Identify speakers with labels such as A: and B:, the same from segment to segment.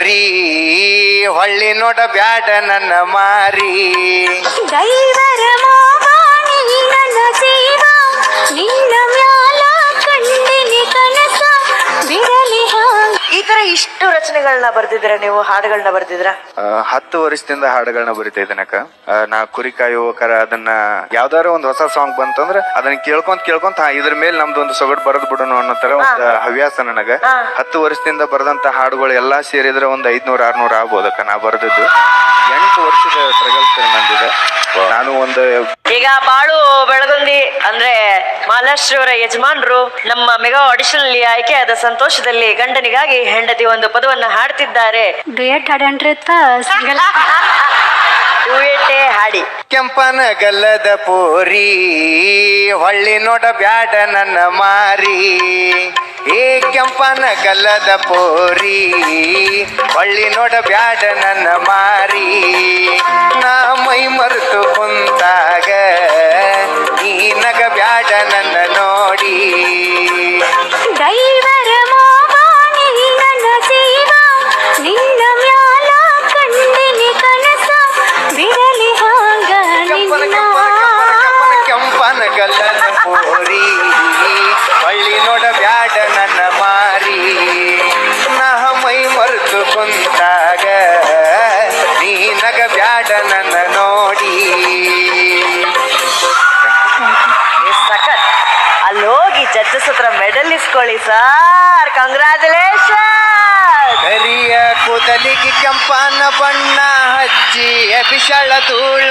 A: ಪೋರಿ ಹೊಳ್ಳಿ ನೋಡ ಬ್ಯಾಡ ನನ್ನ ಮಾರಿ.
B: ದೈವರ ಮೋಹ ನೀ ನನ್ನ ಜೀವ, ನಿನ್ನ ಮ್ಯಾಲ ಕಂಡಿನಿ ಕನಸ ಬಿರಲಿ ಹಾಂಗ. ಈ ತರ ಇಷ್ಟು ರಚನೆಗಳನ್ನ ಬರ್ದಿದ್ರ, ನೀವು ಹಾಡುಗಳನ್ನ ಬರ್ದಿದ್ರ?
A: 10 ವರ್ಷದಿಂದ ಹಾಡುಗಳನ್ನ ಬರಿತಾ ಇದ್ದೇನಕ್ಕ. ನಾ ಕುರಿ ಕಾಯುವಕರ ಅದನ್ನ ಯಾವ್ದಾರ ಒಂದು ಹೊಸ ಸಾಂಗ್ ಬಂತಂದ್ರ ಅದನ್ನ ಕೇಳ್ಕೊಂತ ಇದ್ರ ಮೇಲೆ ನಮ್ದು ಒಂದು ಸೊಗಡು ಬರದ್ ಬಿಡೋಣ ಅನ್ನೋ ತರ ಒಂದು ಹವ್ಯಾಸ ನನಗ. 10 ವರ್ಷದಿಂದ ಬರೆದಂತ ಹಾಡುಗಳು ಎಲ್ಲಾ ಸೇರಿದ್ರೆ ಒಂದು 500-600 ಆಗ್ಬೋದಕ್ಕ. ನಾ ಬರೆದದ್ದು 8 ವರ್ಷದ ಸ್ಟ್ರಗಲ್ಸ್ ನಂದಿದೆ. ನಾನು ಒಂದು
C: ಈಗ ಬಾಳು ಬೆಳಗುಂದಿ ಅಂದ್ರೆ ಮಹಾರಾಷ್ಟ್ರವರ ಯಜಮಾನ್ರು ನಮ್ಮ ಮೆಗಾ ಆಡಿಷನ್ ಅಲ್ಲಿ ಆಯ್ಕೆಯಾದ ಸಂತೋಷದಲ್ಲಿ ಗಂಡನಿಗಾಗಿ ಹೆಂಡತಿ ಒಂದು ಪದವನ್ನ ಹಾಡ್ತಿದ್ದಾರೆ.
B: ಡುಯೆಟ್ ಹಾಡಂಡ್ರೆ ಸಿಂಗಲ್
C: ಡುಯೆಟ್ಟೇ ಹಾಡಿ.
A: ಕೆಂಪನ ಗಲ್ಲದ ಪೋರಿ ಹೊಳ್ಳಿ ನೋಡ ಬ್ಯಾಡ ನನ್ನ ಮಾರಿ. ಏ ಕೆಂಪನ ಗಲ್ಲದ ಪೋರಿ ಹೊಳ್ಳಿ ನೋಡ ಬ್ಯಾಡ ನನ್ನ ಮಾರಿ. ನಾ ಮೈ ಮರೆತು ಕುಂತಾಗ ನೀ ನಗ ಬ್ಯಾಡ ನನ್ನ ನೋಡಿ.
B: ದೈವರ ಮೋಹ ನೀ ನನ್ನ ಜೀವ, ನಿನ್ನ ಮ್ಯಾಲ ಕಂಡಿನಿ ಕನಸ ಬಿರಲಿ ಹಾಂಗ ನಿನ್ನ.
A: ಕೆಂಪನ ಗಲ್ಲದ ಪೋರಿ ಹೊಳ್ಳಿ ನೋಡ ಬ್ಯಾಡ ನನ್ನ ಮಾರಿ. ನಾ ಮೈ ಮರೆತು ಕುಂತಾಗ ನೀ ನಗ ಬ್ಯಾಡ ನನ್ನ ನೋಡಿ.
C: ಸಖತ್. ಅಲ್ಲೋಗಿ ಜಡ್ಜಸ್ ಹತ್ರ ಮೆಡಲ್ ಇಸ್ಕೊಳ್ಳಿ ಸರ್. ಕಂಗ್ರಾಚುಲೇಷನ್.
A: ಕರಿಯ ಕೂದಲಿಗೆ ಕೆಂಪನ ಬಣ್ಣ ಹಚ್ಚಿ ಬಿಸಳ ಧೂಳ.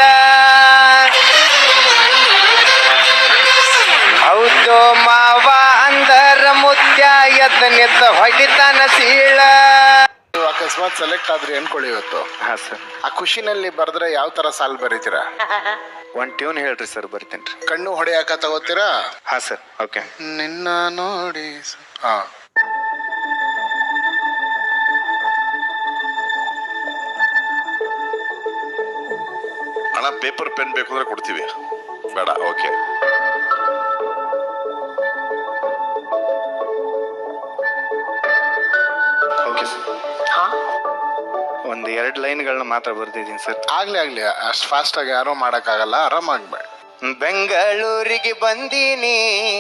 A: ಹೌದು ಮಾವ ಅಂದರ ಮುತ್ಯ ಎತ್ತ ಹೊಡಿತಾನ ಸೀಳ.
D: ಅಕಸ್ಮಾತ್ ಸೆಲೆಕ್ಟ್ ಆದ್ರಿ ಅನ್ಕೊಳ್ಳಿ ಇವತ್ತು.
A: ಹಾ ಸರ್.
D: ಆ ಖುಷಿನಲ್ಲಿ ಬರ್ದ್ರೆ ಯಾವ ತರ ಸಾಲ್ ಬರೀತೀರಾ?
A: ಒಂದ್ ಟ್ಯೂನ್ ಹೇಳ್ರಿ ಸರ್, ಬರ್ತೀನಿ.
D: ಕಣ್ಣು ಹೊಡೆಯಾಕ ತಗೋತೀರಾ?
A: ಹಾ ಸರ್. ಓಕೆ.
D: ನಿನ್ನ ನೋಡಿ. ಹಾ,
E: ಅಣ್ಣ ಪೇಪರ್ ಪೆನ್ ಬೇಕು ಅಂದ್ರೆ ಕೊಡ್ತೀವಿ. ಬೇಡ? ಓಕೆ.
A: Okay sir. ಒಂದು 2 ಲೈನ್ಗಳನ್ನ ಮಾತ್ರ ಬರ್ತಿದ್ದೀನಿ ಸರ್.
D: ಆಗ್ಲಿ ಅಷ್ಟು ಫಾಸ್ಟ್ ಆಗಿ ಯಾರೋ ಮಾಡಕ್ ಆಗಲ್ಲ, ಆರಾಮಾಗ್ಬೇಡ.
A: ಬೆಂಗಳೂರಿಗೆ ಬಂದೀನಿ,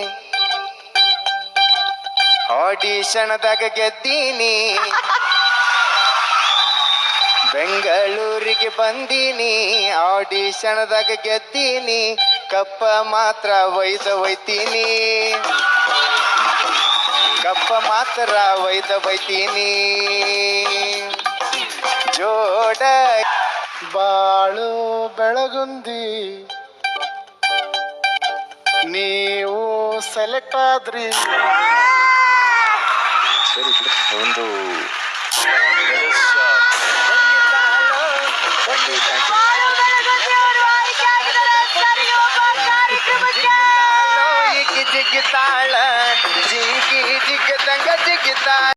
A: ಆಡಿಷನ್ದಾಗ ಗೆದ್ದೀನಿ. ಬೆಂಗಳೂರಿಗೆ ಬಂದೀನಿ, ಆಡಿಷನ್ದಾಗ ಗೆದ್ದೀನಿ. ಕಪ್ಪ ಮಾತ್ರ ಒಯ್ತೀನಿ, ಕಪ್ಪ ಮಾತ್ರ ಒಯ್ತೀನಿ. ಜೋಡ
D: ಬಾಳು ಬೆಳಗುಂದಿ ನೀವು ಸೆಲೆಕ್ಟ್ ಆದ್ರಿ.
A: ಸರಿ ಬಿಡು. ಒಂದು ಜಿಗಿತಾಳ ಜಿಗಿ ಜಿಗದಂಗ ಜಿಗಿತಾಳ.